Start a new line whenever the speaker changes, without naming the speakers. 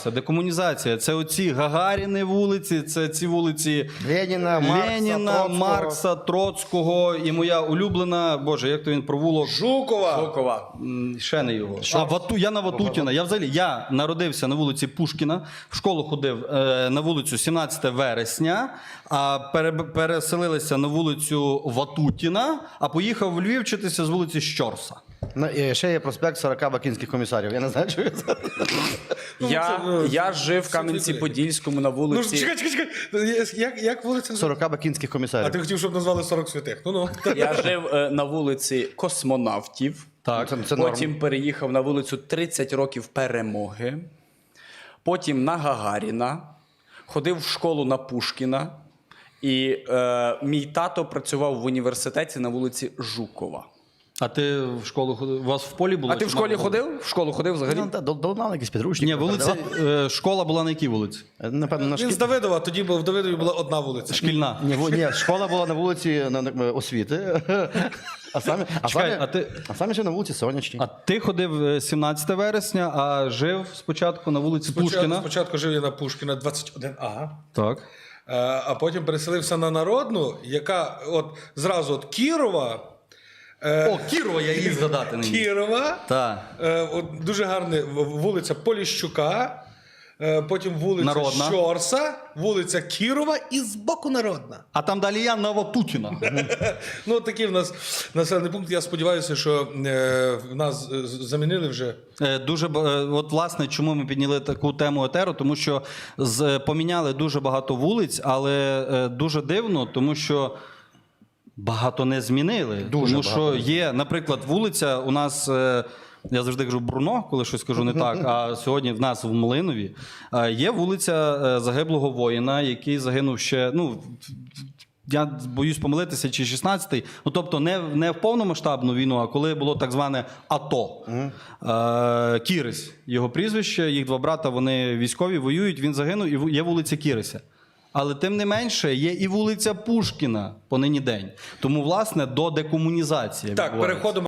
Це декомунізація. Це оці Гагаріни вулиці, це ці вулиці Леніна, Маркса, Троцького і моя улюблена, боже, як то він провулок?
Жукова.
Ще не його. Я на Ватутіна. Я народився на вулиці Пушкіна, в школу ходив на вулицю 17 вересня, а переселилися на вулицю Ватутіна, а поїхав в Львів вчитися з вулиці Щорса.
Ще є проспект 40 бакінських комісарів. Я не знаю, що
Я жив в Кам'янці-Подільському на
Ну,
вулиці...
чекай. Як вулиця?
40 бакінських
А
комісарів.
ти хотів, щоб назвали 40 святих. Ну.
Я жив на вулиці Космонавтів.
Так.
Це норм.
Потім переїхав на вулицю 30 років Перемоги. Потім на Гагаріна. Ходив в школу на Пушкіна. І мій тато працював в університеті на вулиці Жукова.
А ти в школу ходив? У вас в полі було?
А ти в
чи
школі
мама
ходив? В школу ходив взагалі?
Долунали якісь підручники.
Ні, вулиця, школа була на якій вулиці?
Напевно, на
Він з Давидова, тоді в Давидові була одна вулиця.
Шкільна.
Ні, школа була на вулиці освіти, а самі ще на вулиці Сонячній.
А ти ходив 17 вересня, а жив спочатку на вулиці Пушкіна?
Спочатку жив я на Пушкіна 21А.
Так.
А потім переселився на Народну, яка зразу Кірова.
Кірова, я її згадати не міг.
Кірова.
Так.
Дуже гарна вулиця Поліщука, потім вулиця
Народна.
Щорса, вулиця Кірова і збоку Народна.
А там далі я на Ватутіна.
Ну, такий в нас населений пункт. Я сподіваюся, що в нас замінили вже.
Дуже, от власне, чому ми підняли таку тему етеру, тому що поміняли дуже багато вулиць, але дуже дивно, тому що багато не змінили. Тому що є, наприклад, вулиця у нас, я завжди кажу Бруно, коли щось кажу не так, а сьогодні в нас в Млинові є вулиця загиблого воїна, який загинув ще, я боюсь помилитися, чи 16-й, тобто не в повномасштабну війну, а коли було так зване АТО. Кірис, його прізвище, їх два брата, вони військові, воюють, він загинув, і є вулиця Кіриса. Але тим не менше є і вулиця Пушкіна по нині день. Тому, власне, до декомунізації.
Так, переходимо.